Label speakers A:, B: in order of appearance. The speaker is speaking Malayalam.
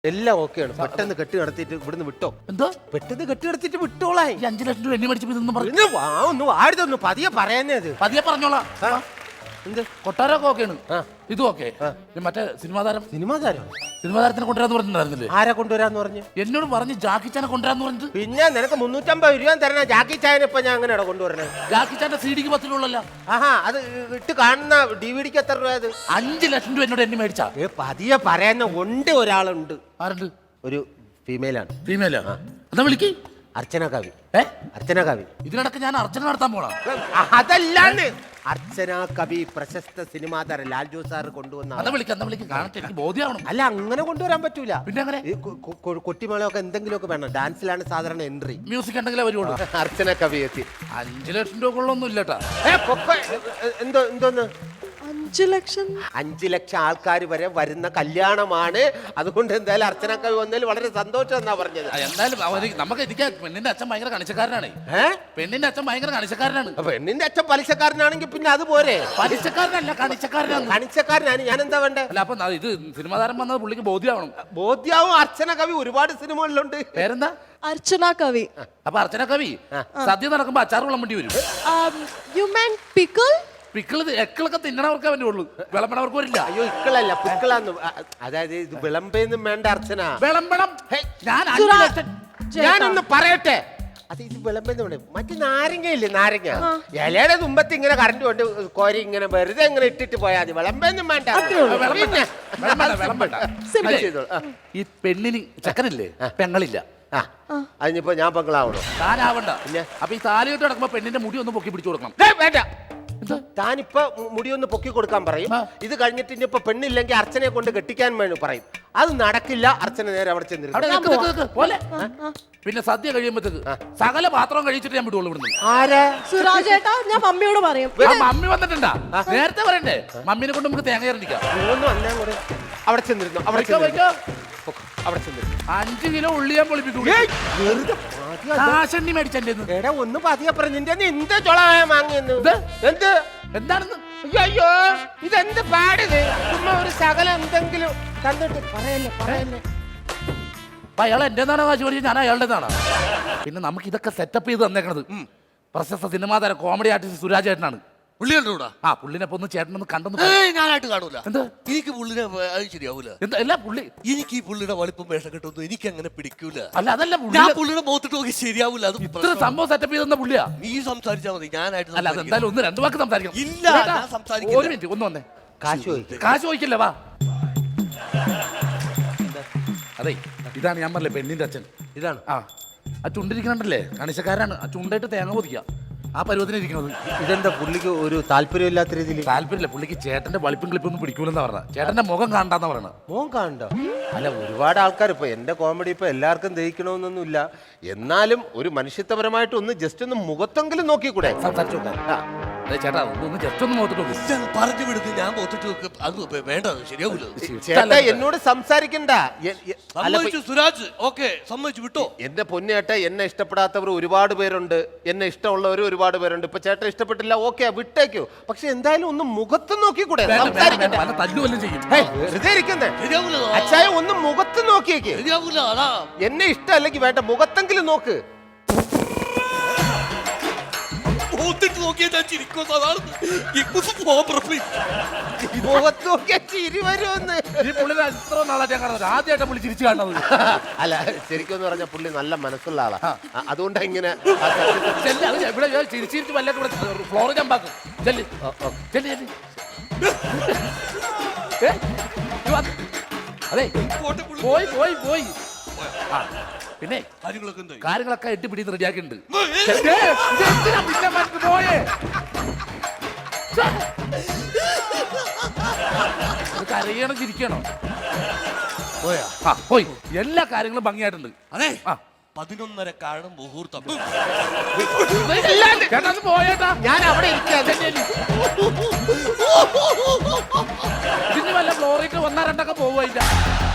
A: എല്ലാം ഓക്കെയാണ്. പെട്ടെന്ന് കെട്ടി നടത്തിയിട്ട് ഇവിടുന്ന് വിട്ടോ.
B: എന്തോ
A: പെട്ടെന്ന് കെട്ടി നടത്തിയിട്ട് വിട്ടോളാ.
B: 5 ലക്ഷം രൂപ എണ്ണി മേടിച്ചപ്പോ ഇതൊന്നും പറഞ്ഞു.
A: ഒന്നും ആരുതൊന്നും പതിയെ പറയാനേ അത്.
B: പതിയെ പറഞ്ഞോളാം.
A: എന്ത്
B: കൊട്ടാരമൊക്കെ ഓക്കെയാണ്, ഇതും ഓക്കെ. മറ്റേ സിനിമാ താരം സിനിമാ താരത്തിനെ കൊണ്ടുവരാന്ന് പറഞ്ഞിട്ടുണ്ടായിരുന്നില്ലേ?
A: ആരെ കൊണ്ടുവരാന്ന് പറഞ്ഞു?
B: എന്നോട് പറഞ്ഞു ജാക്കി ചാനെ കൊണ്ടുവരാന്ന് പറഞ്ഞിട്ട്.
A: പിന്നെ നിനക്ക് 350 രൂപ തരണ ജാക്കി ചായനെ ഇപ്പൊ ഞാൻ അങ്ങനെയാണോ കൊണ്ടുവരണേ?
B: ജാക്കി ചാന്റെ CD-ക്ക് 10 രൂപ.
A: ആഹാ, അത് ഇട്ട് കാണുന്ന DVD-ക്ക് എത്ര രൂപ? അത്
B: 5 ലക്ഷം രൂപ എന്നോട് എണ്ണി മേടിച്ചാ.
A: പതിയെ പറയുന്ന ഉണ്ട്. ഒരാളുണ്ട്.
B: ആരുണ്ട്?
A: ഒരു ഫീമെയിലാണ്.
B: ഫീമെയിലാ? എന്നാ വിളിക്ക്.
A: അർച്ചന കവി.
B: ഇതിനിടക്ക് ഞാൻ അർച്ചന നടത്താൻ പോണ.
A: അതല്ലാന്ന്. അർച്ചന കവി പ്രശസ്ത സിനിമാ താരം ലാൽ ജോസ് സാർ കൊണ്ടുവന്ന.
B: കാണട്ടെ, എനിക്ക് ബോധ്യമാവണം.
A: അല്ല, അങ്ങനെ കൊണ്ടുവരാൻ പറ്റൂല.
B: പിന്നെ അങ്ങനെ
A: കൊട്ടിമേളൊക്കെ എന്തെങ്കിലുമൊക്കെ വേണം. ഡാൻസിലാണ് സാധാരണ എൻട്രി.
B: മ്യൂസിക് ഉണ്ടെങ്കിലേ വരുള്ളൂ.
A: അർച്ചന കവി എത്തി.
B: 5 ലക്ഷം രൂപ കൊള്ളൊന്നും ഇല്ലട്ടാ.
A: എന്തോന്ന്
C: 5 ലക്ഷം?
A: 5 ലക്ഷം ആൾക്കാർ വരെ വരുന്ന കല്യാണമാണ്. അതുകൊണ്ട് എന്തായാലും അർച്ചന കവി വന്നതിൽ വളരെ സന്തോഷം എന്നാ പറഞ്ഞത്.
B: എന്തായാലും നമുക്ക് ഇരിക്കാം. പെണ്ണിന്റെ അച്ഛൻ ഭയങ്കര കണിച്ചക്കാരനാണ്. പെണ്ണിന്റെ അച്ഛൻ ഭയങ്കര കണിച്ചക്കാരനാണ്.
A: പെണ്ണിന്റെ അച്ഛൻ പലിശക്കാരനാണെങ്കിൽ പിന്നെ അത് പോരെ.
B: പലിശക്കാരനല്ല, കണിച്ചക്കാരനാണ്.
A: കണിച്ചക്കാരനാണ്. ഞാൻ എന്താ വേണ്ടേ?
B: അല്ല, അപ്പൊ ഇത് സിനിമാ താരം വന്നത് പുള്ളിക്ക് ബോധ്യമാവണം.
A: ബോധ്യാവും. അർച്ചന കവി ഒരുപാട് സിനിമകളിലുണ്ട്.
B: പേരെന്താ?
C: അർച്ചന കവി.
B: അപ്പൊ അർച്ചന കവി സദ്യ നടക്കുമ്പോ അച്ചാർ വെള്ളം വേണ്ടി വരും.
C: You mean pickle?
B: പിക്കിള് എക്കിളൊക്കെ തിന്നണവർക്കേ പറ്റുള്ളൂ, വിളമ്പണവർക്ക് വരില്ല.
A: അയ്യോ, ഇക്കളല്ല, പിക്കിളാന്ന്. അതായത് ഇത് വിളമ്പൊന്നും വേണ്ട അർച്ചന.
B: വിളമ്പണം.
A: ഞാനൊന്ന് പറയട്ടെ. അത് ഇത് വിളമ്പെന്ന് വേണ്ട. മറ്റേ നാരങ്ങയില്ലേ, നാരങ്ങ ഇലയുടെ തുമ്പത്ത് ഇങ്ങനെ കറണ്ട് കൊണ്ട് കോരി ഇങ്ങനെ വെറുതെ ഇങ്ങനെ ഇട്ടിട്ട് പോയാൽ മതി. വിളമ്പൊന്നും വേണ്ട.
B: ഈ പെണ്ണിന് ചക്കനില്ലേ, പെങ്ങളില്ല.
A: അതിനിപ്പോ ഞാൻ പെങ്ങളാവണോ?
B: താനാവണ്ട. അപ്പൊ ഈ താലിയോട്ട് നടക്കുമ്പോ പെണ്ണിന്റെ മുടി ഒന്ന് പൊക്കി പിടിച്ചു കൊടുക്കണം.
A: വേണ്ട, താനിപ്പോ മുടിയൊന്ന് പൊക്കി കൊടുക്കാൻ പറയും. ഇത് കഴിഞ്ഞിട്ട് ഇനിയിപ്പോ പെണ്ണില്ലെങ്കിൽ അർച്ചനയെ കൊണ്ട് കെട്ടിക്കാൻ വേണ്ടി പറയും. അത് നടക്കില്ല. അർച്ചന നേരെ അവിടെ ചെന്നിരുന്നു.
B: പിന്നെ സദ്യ കഴിയുമ്പോഴത്തേക്ക് സകല പാത്രം കഴിച്ചിട്ട് ഞാൻ വിടുള്ളൂ ഇവിടുന്ന്.
A: ആരാ?
C: സുരാജ് ഏട്ടാ, ഞാൻ മമ്മിയോട് പറയും.
B: മമ്മി വന്നിട്ടുണ്ടാ? നേരത്തെ പറയണ്ടേ? മമ്മീനെ കൊണ്ട് നമുക്ക് തേങ്ങ ഇറങ്ങിക്കാം.
A: അവിടെ ചെന്നിരുന്നു. അവിടെ
B: 5 കിലോ ഉള്ളി ഞാൻ പൊളിപ്പിക്കും. മേടിച്ചെന്റെ
A: ഒന്ന് പതിയെ പറഞ്ഞിന്റെ എന്ത് ചൊളായ മാങ്ങിയെന്ന്. എന്ത്
B: എന്താണെന്ന്?
A: അയ്യോ, ഇതെന്ത് പാടിത്? ചുമ്മാ ഒരു ശകലം എന്തെങ്കിലും തന്നിട്ട് പറയല്ലേ.
B: അയാൾ എന്റേതാണോ കാശ് പഠിച്ചത്? ഞാൻ അയാളുടേതാണ്. പിന്നെ നമുക്ക് ഇതൊക്കെ സെറ്റപ്പ് ചെയ്ത് തന്നേക്കണത് പ്രശസ്ത സിനിമാ താരം കോമഡി ആർട്ടിസ്റ്റ് സുരാജ് ചേട്ടനാണ്. പുള്ളിനെ ഒന്ന് ചേട്ടനൊന്ന് കണ്ടെന്ന്.
D: ഞാനായിട്ട് കാണൂല.
B: എന്താ?
D: എനിക്ക് പുള്ളിനെ അത് ശരിയാവൂല.
B: എന്താ പുള്ളി?
D: എനിക്ക് ഈ പുള്ളിയുടെ വലിപ്പം വേഷം കിട്ടുന്നു എനിക്ക് അങ്ങനെ പിടിക്കൂല.
B: അല്ല, അതല്ല,
D: ഞാൻ പുള്ളിയുടെ മുഖത്തിട്ട് നോക്കി ശരിയാവൂല. അത്
B: ഇത്ര സംഭവം സെറ്റപ്പ് ചെയ്തെന്ന പുള്ളിയാ.
D: നീ സംസാരിച്ചാ മതി, ഞാനായിട്ട്.
B: അല്ല, അതെന്തായാലും ഒന്ന് 2 വാക്ക് സംസാരിക്കണം.
D: ഇല്ല, ഞാൻ സംസാരിക്കില്ല.
B: ഒരു മിനിറ്റ്, ഒന്ന് വന്നേ.
A: കാശ്
B: ചോദിക്കില്ല, വാ. അതെ, ഇതാണ് ഞാൻ പറഞ്ഞില്ലേ പെണ്ണിന്റെ അച്ഛൻ.
A: ഇതാണ്.
B: ആ ചുണ്ടിരിക്കണല്ലേ, കണിശക്കാരാണ്. ആ ചുണ്ടായിട്ട് തേങ്ങ പൊതിക്കുക. ആ പരുവത്തിന് ഇരിക്കുന്നത്.
A: ഇതെന്താ പുള്ളിക്ക് ഒരു താല്പര്യമില്ലാത്ത രീതിയിൽ?
B: താല്പര്യമില്ല പുള്ളിക്ക്. ചേട്ടന്റെ വളിപ്പും ക്ലിപ്പൊന്നും പിടിക്കൂലെന്നാ പറഞ്ഞ. ചേട്ടന്റെ മുഖം കാണണ്ടെന്നാ പറയണത്.
A: മുഖം കാണണ്ട? അല്ല, ഒരുപാട് ആൾക്കാർ ഇപ്പൊ എന്റെ കോമഡി ഇപ്പൊ എല്ലാവർക്കും ദഹിക്കണമെന്നൊന്നുമില്ല. എന്നാലും ഒരു മനുഷ്യത്വപരമായിട്ട് ഒന്ന് ജസ്റ്റ് ഒന്ന് മുഖത്തെങ്കിലും നോക്കിക്കൂടെ?
B: സംസാരിച്ചു ചേട്ടാ, ഒന്ന് ജസ്റ്റ് ഒന്ന് മുഖത്തിട്ട് നോക്കി.
D: പറഞ്ഞു വിടുന്നു. ഞാൻ മുഖത്തിട്ട് നോക്ക്. അത് വേണ്ട, ശരിയാവൂല.
A: ചേട്ടാ, എന്നോട് സംസാരിക്കണ്ട.
D: സുരാജ് ഓക്കെ, സമ്മതിച്ചു വിട്ടോ.
A: എന്റെ പൊന്നേട്ട, എന്നെ ഇഷ്ടപ്പെടാത്തവർ ഒരുപാട് പേരുണ്ട്, എന്നെ ഇഷ്ടമുള്ളവർ ഒരുപാട് പേരുണ്ട്. ഇപ്പൊ ചേട്ടൻ ഇഷ്ടപ്പെട്ടില്ല, ഓക്കെ, വിട്ടേക്കോ. പക്ഷെ എന്തായാലും ഒന്ന് മുഖത്ത് നോക്കിക്കൂടെ? അച്ഛായ ഒന്ന് മുഖത്ത് നോക്കിയേക്ക്. എന്നെ ഇഷ്ടമല്ലെങ്കിൽ വേണ്ട, മുഖത്തെങ്കിലും നോക്ക്. മുഖത്ത് നോക്കിയാ ചിരി വരുമെന്ന്.
B: ആദ്യമായിട്ട് പുള്ളി ചിരിച്ചു കാണുന്നത്.
A: അല്ല, ശരിക്കും പറഞ്ഞ പുള്ളി നല്ല മനസ്സുള്ള ആളാ. അതുകൊണ്ടാ ഇങ്ങനെ
B: ചിരിച്ചിരിച്ച് വല്ല ഫ്ലോർ ജമ്പാക്കും. അതെ, പോയി പോയി പോയി. പിന്നെ കാര്യങ്ങളൊക്കെ എട്ടിപ്പിടിന്ന് റെഡിയാക്കിയിട്ടുണ്ട്. കരയണം, ചിരിക്കണോ? പോയി. എല്ലാ കാര്യങ്ങളും ഭംഗിയായിട്ടുണ്ട്.
D: അതെ, 11:30 കാണും മുഹൂർത്തം.
B: പോയേട്ടാ,
A: ഞാൻ അവിടെ
B: ഇതിന് വല്ല ഫ്ലോറിട്ട് 1-2 പോവില്ല.